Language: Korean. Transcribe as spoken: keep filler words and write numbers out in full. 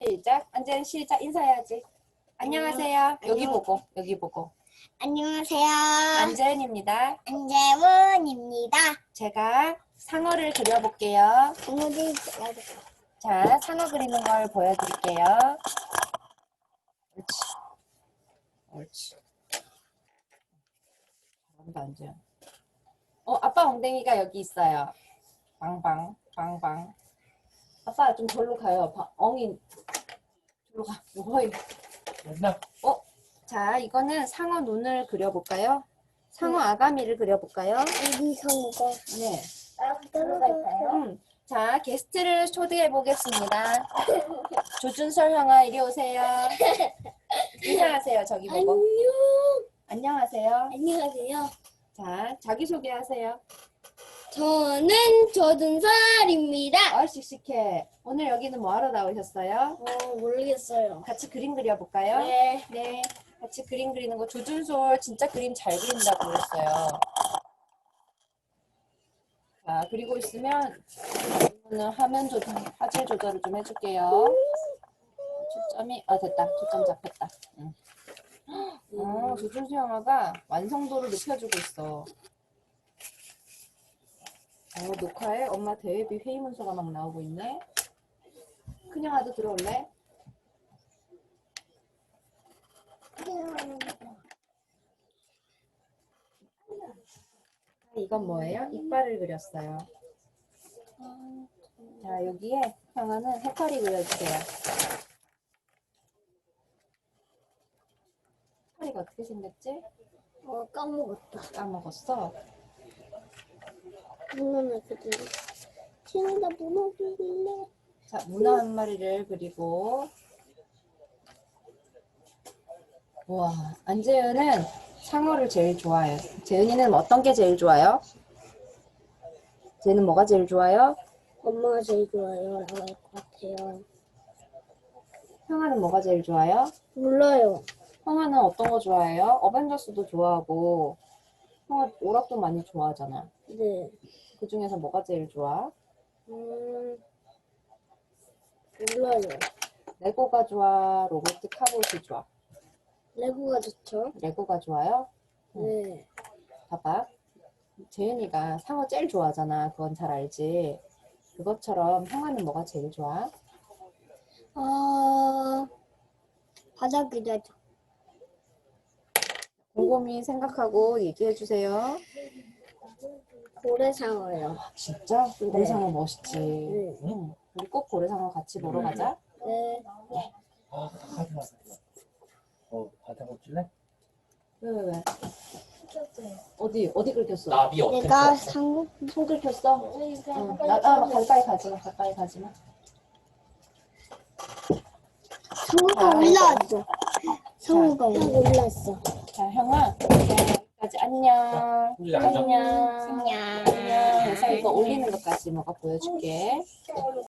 시작. 안재은 시작. 인사해야지. 안녕하세요. 여기 안녕. 보고 여기 보고. 안녕하세요. 안재은입니다. 안재훈입니다. 제가 상어를 그려볼게요. 오늘은 자, 상어 그리는 걸 보여드릴게요. 옳지. 옳지. 잘한다, 안재은. 어, 아빠 엉덩이가 여기 있어요. 방방, 방방. 아빠 좀 절로 가요. 바, 엉이. 절로 가. 어이. 어? 자, 이거는 상어 눈을 그려볼까요? 상어 아가미를 그려볼까요? 우리 성우가 네. 들어갈까요? 음. 자, 게스트를 초대해 보겠습니다. 조준설 형아, 이리 오세요. 인사하세요. 저기 보고. 안녕. 안녕하세요. 안녕하세요. 자, 자기소개하세요. 저는 조준설입니다. 어, 씩씩해. 오늘 여기는 뭐 하러 나오셨어요? 어, 모르겠어요. 같이 그림 그려볼까요? 네. 네. 같이 그림 그리는 거 조준솔 진짜 그림 잘 그린다고 그랬어요. 자, 그리고 있으면 이거는 화면 조절, 화질 조절을 좀 해줄게요. 초점이, 아, 됐다. 초점 잡혔다. 응. 어, 조준수 영화가 완성도를 높여주고 있어. 어, 녹화에 엄마 대회비 회의 문서가 막 나오고 있네. 큰영아도 들어올래? 이건 뭐예요? 이빨을 그렸어요. 자, 여기에 형아는 해파리 그려주세요. 해파리가 어떻게 생겼지? 어, 까먹었다. 까먹었어. 문어는 그대로. 지금다 문어 그릴래. 자, 문어 한 마리를 그리고. 우와, 안재은은 상어를 제일 좋아해요. 재은이는 어떤 게 제일 좋아요? 쟤는 뭐가 제일 좋아요? 엄마가 제일 좋아요. 라고 할 것 같아요. 형아는 뭐가 제일 좋아요? 몰라요. 형아는 어떤 거 좋아해요? 어벤져스도 좋아하고 형아 오락도 많이 좋아하잖아. 네. 그 중에서 뭐가 제일 좋아? 음, 몰라요. 레고가 좋아? 로봇 카봇이 좋아? 레고가 좋죠? 레고가 좋아요? 네. 봐봐. 재은이가 상어 제일 좋아하잖아. 그건 잘 알지? 그것처럼 형아는 뭐가 제일 좋아? 어, 바다 그려줘. 곰곰이 생각하고 얘기해 주세요. 고래상어요. 진짜? 네. 고래상어 멋있지. 네. 응. 우리 꼭 고래상어 같이 보러 가자. 네. 아, 하지 마. 어, 바다 먹줄래? 왜, 왜, 왜? 어디, 어디 긁혔어? 나비 어땠어? 내가 상어 손 긁혔어? 응. 나, 아, 가까이 가지 마, 가까이 가지 마. 상어가 올라왔어. 상어가 올라왔어. 자, 형아. 여기까지 안녕. 우리 앉아. 안녕. 안녕. 안녕. 그래서 이거 올리는 것까지 뭐가 보여줄게.